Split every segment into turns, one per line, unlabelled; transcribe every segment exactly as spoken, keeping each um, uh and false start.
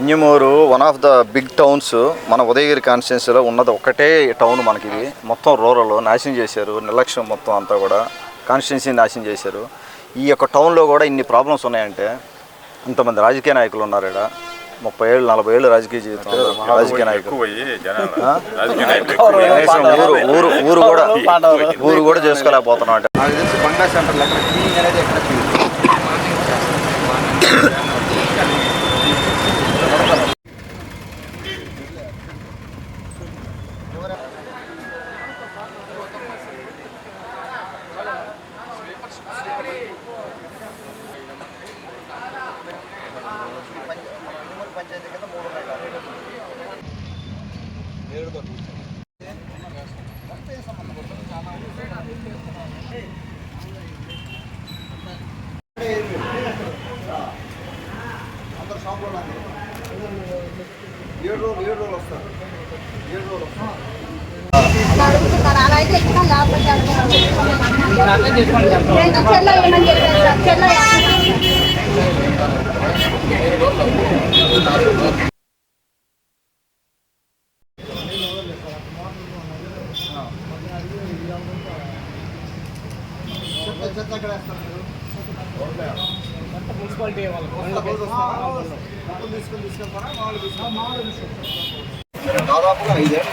Injamuru one of the big towns. మన ఉదయగిరి కాన్స్టిట్యున్సీలో ఉన్నది ఒకటే టౌన్ మనకి. ఇది మొత్తం రూరల్ నాశనం చేశారు, నిర్లక్ష్యం మొత్తం అంతా కూడా కాన్స్టిట్యున్సీ నాశనం చేశారు. ఈ యొక్క టౌన్లో కూడా ఇన్ని ప్రాబ్లమ్స్ ఉన్నాయంటే ఇంతమంది రాజకీయ నాయకులు ఉన్నారు ఇక్కడ. ముప్పై ఏళ్ళు నలభై ఏళ్ళు రాజకీయ జీవితం రాజకీయ నాయకులు. ఊరు ఊరు ఊరు కూడా ఊరు కూడా చేసుకోలేకపోతున్నాం అంటే నాకు తెలిసి బంగ్లా సెంటర్లో ఎక్కడ క్లీనింగ్ అనేది ఎక్కడ పంచాయతీ కింద మూడు ఏడుతో అందరు షాపులో ఏడు రోజులు ఏడు రోజులు వస్తారు ఏడు రోజులు వస్తారు మున్సిపాలిటీ దాదాపుగా ఐదేళ్ళు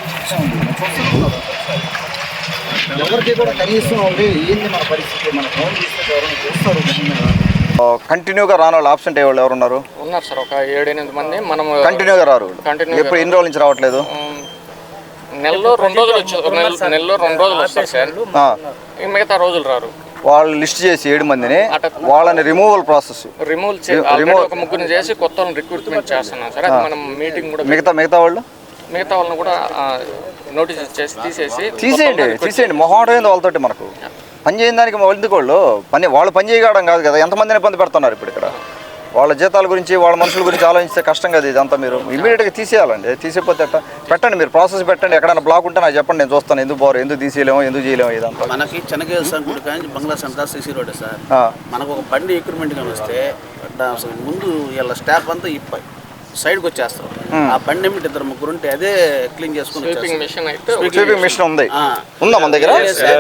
ఎవరికి కూడా కనీసం ఉంటే ఏంది మన పరిస్థితి, మన ఫోన్ తీస్తే ఎవరైనా చూస్తారు. కంటిన్యూగా రాని వాళ్ళు ఆబ్సెంట్ అయ్యే వాళ్ళు ఎవరున్నారు?
ఉన్నారు సార్, ఒక ఏడు ఎనిమిది మంది. మనం
కంటిన్యూగా రారు. ఎప్పుడు ఎన్ని రోజుల నుంచి రావట్లేదు?
నెలలో రెండు రోజులు వచ్చి నెలలో రెండు రోజులు వస్తారు సార్, మిగతా రోజులు రారు.
వాళ్ళు లిస్ట్ చేసి ఏడు మందిని వాళ్ళని రిమూవల్ ప్రాసెస్
రిమూవ్ రిమూవ్ ఒక ముగ్గురిని చేసి కొత్త వాళ్ళని రిక్రూట్మెంట్ చేస్తున్నాం సార్. అది మనం మీటింగ్ కూడా
మిగతా మిగతా వాళ్ళు
మిగతా వాళ్ళని కూడా నోటీస్ చేసి తీసేసి
తీసేయండి తీసేయండి మొహమాటం వాళ్ళతోటి మనకు పని చేయని దానికి ఎందుకు వాళ్ళు పని వాళ్ళు పని చేయడం కాదు కదా. ఎంతమందిని ఇబ్బంది పెడుతున్నారు ఇప్పుడు ఇక్కడ. వాళ్ళ జీతాల గురించి వాళ్ళ మనుషుల గురించి ఆలోచిస్తే కష్టం కదా. ఇదంతా మీరు ఇమీడియట్గా తీసేయాలండి. తీసేపోతే పెట్టండి, మీరు ప్రాసెస్ పెట్టండి. ఎక్కడైనా బ్లాక్ ఉంటే నాకు చెప్పండి, నేను చూస్తాను. ఎందుకు పోరు, ఎందుకు తీసేయలేము, ఎందుకు చేయలేము. ఇదంతా
మనకి చెనకేశ్వర సంకుడు కానీ bungalow centre CC road sir. మనకు ఒక బండి ఎక్విప్మెంట్ కానీ వస్తే ముందు వీళ్ళ స్టాఫ్ అంతా ఇప్పాయి సైడ్కి వచ్చేస్తారు. ఆ బండి ఏమిటి ఇద్దరు ముగ్గురు ఉంటే అదే క్లీన్ చేసుకుని
స్వీపింగ్ మిషన్ అయితే
స్వీపింగ్ మిషన్ ఉంది ఉందా మన దగ్గర?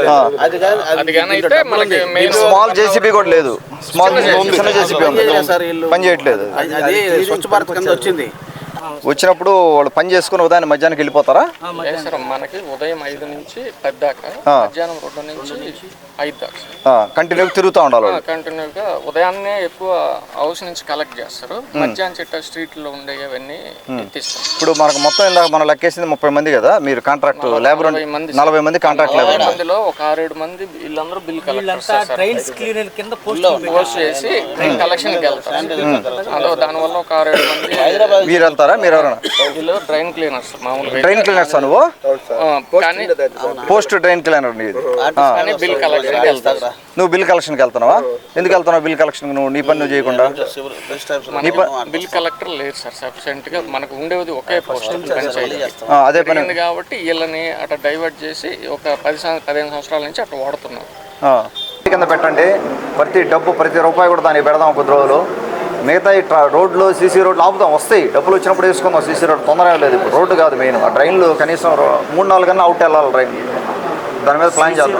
స్మాల్ జేసీబీ కూడా లేదు. స్మాల్ చిన్న జేసీబీ ఉంది, పని చేయట్లేదు.
అది స్వచ్ఛ భారత్ కింద వచ్చింది.
వచ్చినప్పుడు వాళ్ళు పని చేసుకుని ఉదయం మధ్యాహ్నానికి వెళ్ళిపోతారా?
మనకి ఉదయం ఐదు నుంచి పది దాకా, మధ్యాహ్నం రెండు నుంచి ఐదు దాకా
కంటిన్యూగా తిరుగుతూ ఉండాలి.
కంటిన్యూగా ఉదయాన్నే ఎక్కువ హౌస్ నుంచి కలెక్ట్ చేస్తారు, మధ్యాహ్నం చెట్ట స్ట్రీట్ లో ఉండేవన్నీ ఎత్తిస్తారు.
ఇప్పుడు మనకు మొత్తం ఇందాక మనం లెక్కేసింది ముప్పై మంది కదా. మీరు కాంట్రాక్ట్ లేబర్ నలభై మంది కాంట్రాక్ట్ లేబర్
మందిలో ఒక ఆరేడు మంది వీళ్ళందరూ బిల్ కలెక్టర్ పోస్ట్ చేసి కలెక్షన్ కి వెళ్తారు. అందులో దానివల్ల ఒక ఆరేడు మంది
మీరు వెళ్తారా? మీరు ఎవరైనా
డ్రైన్ క్లీనర్స్ మామూలుగా
డ్రైన్ క్లీనర్స్ నువ్వు post drain cleaner
bill collection
నువ్వు బిల్ కలెక్షన్కి వెళ్తున్నావా? ఎందుకు వెళ్తున్నావు బిల్ కలెక్షన్? నువ్వు నీ పని నువ్వు చేయకుండా
బిల్ కలెక్టర్ లేదు సార్. సఫిషియెంట్ గా మనకు ఉండేది ఒకే పోస్ట్
అదే పని
కాబట్టి వీళ్ళని అట్లా డైవర్ట్ చేసి ఒక పది పదిహేను సంవత్సరాల నుంచి అట్లా వాడుతున్నారు.
కింద పెట్టండి, ప్రతి డబ్బు ప్రతి రూపాయి కూడా దానికి పెడదాం కొద్ది రోజులు. మిగతా ఈ రోడ్లు సీసీ రోడ్లు ఆపుదాం, వస్తాయి. డబ్బులు వచ్చినప్పుడు వేసుకుందాం. సీసీ రోడ్ తొందరగా లేదు ఇప్పుడు. రోడ్డు కాదు మెయిన్. ఆ డ్రైన్లు కనీసం మూడు నాలుగు కన్నా అవుట్ వెళ్ళాలి డ్రైన్. దాని మీద ప్లాన్ చేద్దాం.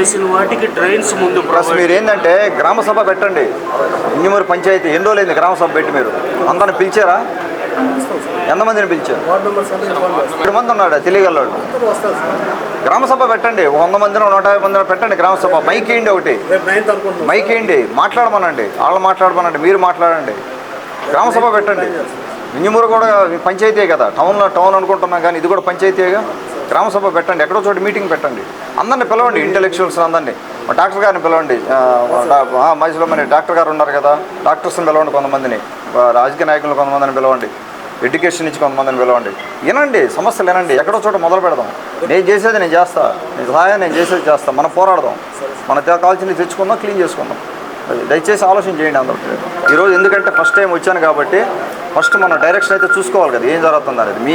ప్లస్ మీరు ఏంటంటే గ్రామ సభ పెట్టండి. ఇంజమూరు పంచాయతీ ఎన్ని రోజులైంది గ్రామ సభ పెట్టి? మీరు అందరిని పిలిచారా? ఎంతమందిని పిలిచారు? ఏడు మంది ఉన్నాడు తెలియగలవాడు. గ్రామ సభ పెట్టండి, వంద మందినో నూట యాభై మందినో పెట్టండి గ్రామ సభ. మైక్ వేయండి, ఒకటి మైక్ వేయండి, మాట్లాడమనండి. వాళ్ళు మాట్లాడమనండి, మీరు మాట్లాడండి. గ్రామ సభ పెట్టండి. ఇంజమూరు కూడా పంచాయతీ కదా. టౌన్లో టౌన్ అనుకుంటున్నాం కానీ ఇది కూడా పంచాయతీగా. గ్రామ సభ పెట్టండి, ఎక్కడో చోట మీటింగ్ పెట్టండి. అందరిని పిలవండి, ఇంటెలెక్చువల్స్ అందరినీ. డాక్టర్ గారిని పిలవండి, మధ్యలో మరి డాక్టర్ గారు ఉన్నారు కదా, డాక్టర్స్ని పిలవండి. కొంతమందిని రాజకీయ నాయకులు కొంతమందిని పిలవండి, ఎడ్యుకేషన్ నుంచి కొంతమందిని పిలవండి. వినండి, సమస్యలు వినండి. ఎక్కడో చోట మొదలు పెడదాం. నేను చేసేది నేను చేస్తా, నేను సహాయం నేను చేసేది చేస్తా. మనం పోరాడదాం, మన కావాల్సింది తెచ్చుకుందాం, క్లీన్ చేసుకుందాం. దయచేసి ఆలోచన చేయండి అందరూ. ఈరోజు ఎందుకంటే ఫస్ట్ టైం వచ్చాను కాబట్టి ఫస్ట్ మన డైరెక్షన్ అయితే చూసుకోవాలి కదా, ఏం జరుగుతుంది అనేది. మీ